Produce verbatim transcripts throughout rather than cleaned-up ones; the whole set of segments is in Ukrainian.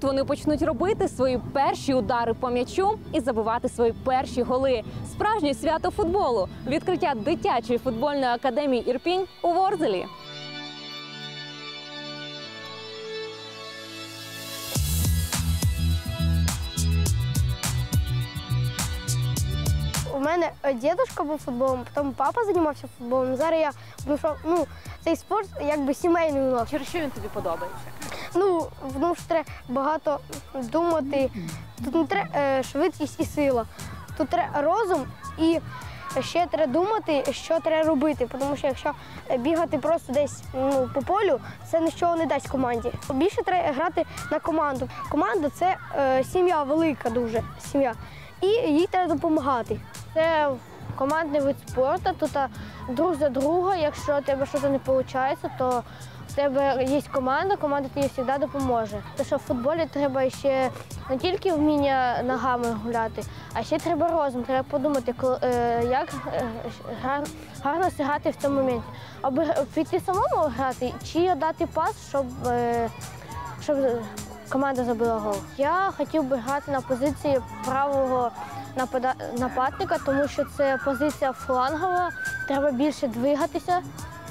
Тут вони почнуть робити свої перші удари по м'ячу і забивати свої перші голи. Справжнє свято футболу – відкриття дитячої футбольної академії «Ірпінь» у Ворзелі. У мене дідусь був футболом, потім папа займався футболом. Зараз я знайшов, ну, цей спорт якби сімейний у нас. Через що він тобі подобається? Ну, тому що треба багато думати. Тут не треба швидкість і сила. Тут треба розум і ще треба думати, що треба робити. Тому що якщо бігати просто десь, ну, по полю, це нічого не дасть команді. Більше треба грати на команду. Команда – це е, сім'я велика дуже, сім'я. І їй треба допомагати. Це командний вид спорту, тут друг за друга. Якщо у тебе щось не виходить, то в тебе є команда, команда тобі завжди допоможе. Тому що в футболі треба ще не тільки вміння ногами гуляти, а ще треба розум. Треба подумати, як гарно зіграти в цьому моменті. Аби піти самому грати чи дати пас, щоб, щоб команда забила гол. Я хотів би грати на позиції правого нападника, тому що це позиція флангова, треба більше двигатися.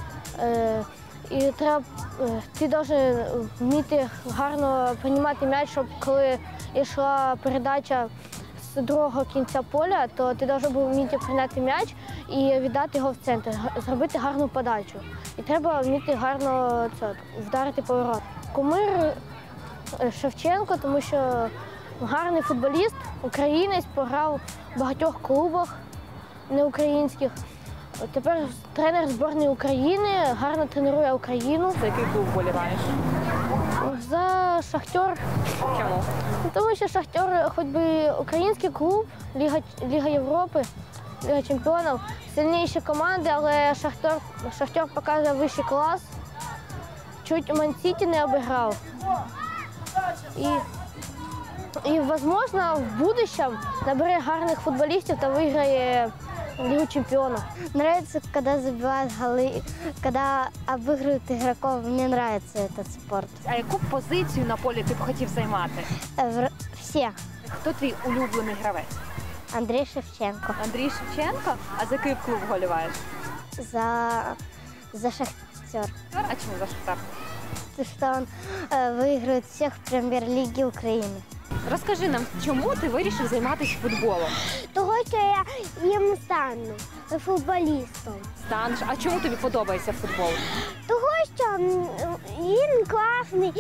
І треба, ти повинен вміти гарно приймати м'яч, щоб коли йшла передача з другого кінця поля, то ти повинен був вміти прийняти м'яч і віддати його в центр, зробити гарну подачу. І треба вміти гарно це, вдарити поворот. Кумир Шевченко, тому що гарний футболіст, українець, пограв в багатьох клубах неукраїнських. Тепер тренер збірної України, гарно тренує Україну. За який клуб вболіваєш? За «Шахтер». Чому? Тому що «Шахтер» хоч би український клуб, Ліга, Ліга Європи, Ліга чемпіонів, сильніші команди, але «Шахтер», «Шахтер» показує вищий клас. Чуть Ман-Сіті не обіграв. І, і, можливо, в будущем набере гарних футболістів та виграє Лигу чемпионов. Нравится, когда забивают голы, когда обыгрывают игроков. Мне нравится этот спорт. А яку позицію на полі ти б хотів займати? Все. Хто твій улюблений гравець? Андрей Шевченко. Андрій Шевченко? А за який клуб вболіваєш? За, за «Шахтер». А чому за «Шахтер»? Потому что он э, выигрывает всех в прем'єр-лігі України. Розкажи нам, чому ти вирішив займатися футболом? Того, що я їм стану футболістом. Станеш. А чому тобі подобається футбол? Того, що він класний,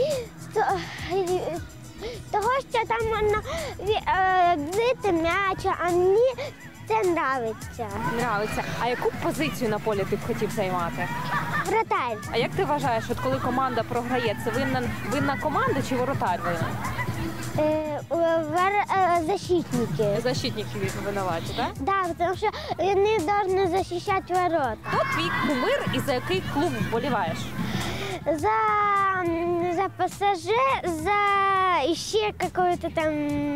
того, що там можна бити м'яч, а мені це подобається. Нравиться. А яку позицію на полі ти б хотів займати? Вратарь. А як ти вважаєш, от коли команда програє, це винна, винна команда чи воротар винен? Защитники. Защитники винуваті, так? Так, тому що вони повинні захищати ворота. Хто твій кумир і за який клуб вболіваєш? За, за ПСЖ, за ще какой-то там,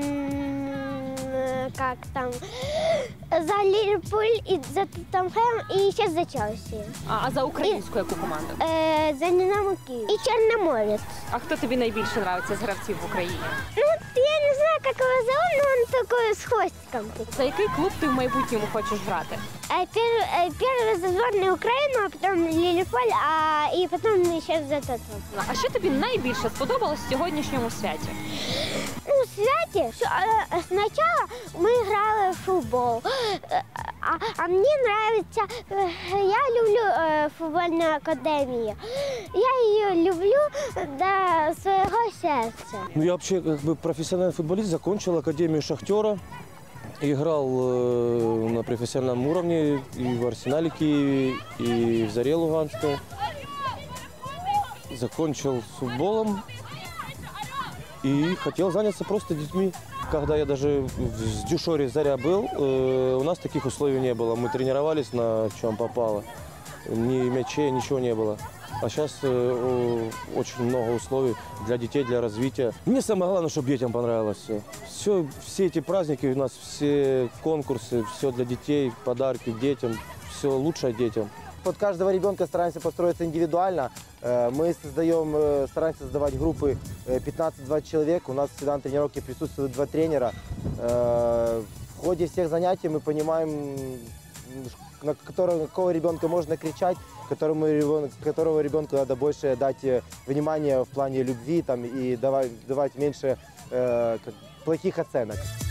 как там, за Ливерпуль, и за Тоттенхэм и ще за Челсі. А, а за українську яку команду? Е, за Динамо Київ. І Чорноморець. А хто тобі найбільше подобається з гравців в Україні? Ну, я не знаю, как его зовут, но он такой с хвостиком. За який клуб ти в майбутньому хочеш грати? Первый, первый за сборную Украину, а потом Ливерпуль, а и потом ще за Тоттенхэм. А що тобі найбільше сподобалось в сьогоднішньому святі? Ну, в святі, що е, спочатку ми грали в футбол, а, а мені подобається, е, я люблю е, футбольну академію. Я її люблю до свого серця. Ну, я вообще как бы профессиональный футболист, закончил Академию «Шахтера», играл э, на профессиональном уровне и в «Арсенале» Киеве, и в «Заре» Луганской. Закончил футболом и хотел заняться просто детьми. Когда я даже в Дюшоре «Заря» был, э, у нас таких условий не было. Мы тренировались на чем попало. Ни мячей, ничего не было. А сейчас э, очень много условий для детей, для развития. Мне самое главное, чтобы детям понравилось все. Все, все эти праздники у нас, все конкурсы, все для детей, подарки детям, все лучшее детям. Под каждого ребенка стараемся построиться индивидуально. Э, Мы создаем, э, стараемся создавать группы э, пятнадцать-двадцать человек. У нас всегда на тренировке присутствуют два тренера. Э, В ходе всех занятий мы понимаем, на которого, на какого ребенка можно кричать, которому ребенку, которого ребенку надо больше дать э, внимания в плане любви там, и давать, давать меньше э, как- плохих оценок.